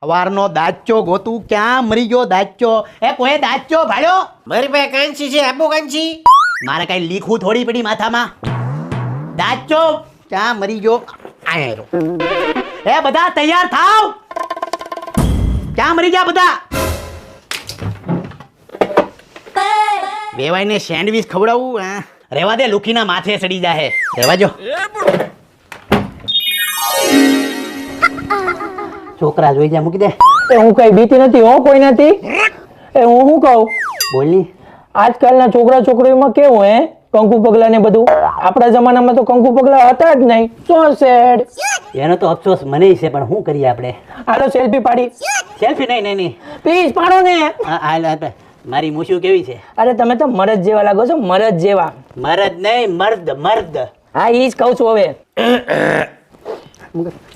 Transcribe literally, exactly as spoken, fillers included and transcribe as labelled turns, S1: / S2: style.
S1: સવારનો દાચો ગોતું ક્યાં મરી ગયો દાચો? એ કોઈ દાચો ભાડ્યો?
S2: મારી પાસે કાંચી છે, આપો કાંચી.
S1: મારે કઈ લીખું થોડી પડી માથામાં. દાચો ક્યાં મરી ગયો? આયો. એ બધા તૈયાર થાવ. ક્યાં મરી ગયા બધા? વેવાઈને સેન્ડવિચ ખવડાવું? હા રેવા દે, લુખીના માથે ચડી જાહે. રેવા જો. છોકરા જોઈ જા, મૂકી દે.
S3: એ હું કઈ બીતી નથી હો, કોઈ નથી. એ હું શું કહું,
S1: બોલની.
S3: આજકાલના છોકરા છોકરીઓમાં કેવું હે, કંકુ પગલા ને બધું. આપણા જમાનામાં તો કંકુ પગલા હતા જ નહીં. So sad.
S1: એનો તો અફસોસ મને છે, પણ શું કરીએ આપણે?
S3: હાલો સેલ્ફી પાડી.
S1: સેલ્ફી નહીં નહીં નહીં
S3: પ્લીઝ પાડો ને.
S1: હા હાલ હાલ. મારી મૂછું કેવી છે?
S3: અરે તમે તો મરદ જેવા લાગો છો, મરદ જેવા.
S1: મરદ નહીં, મર્દ મર્દ.
S3: હા ઈ જ કહું છું હવે.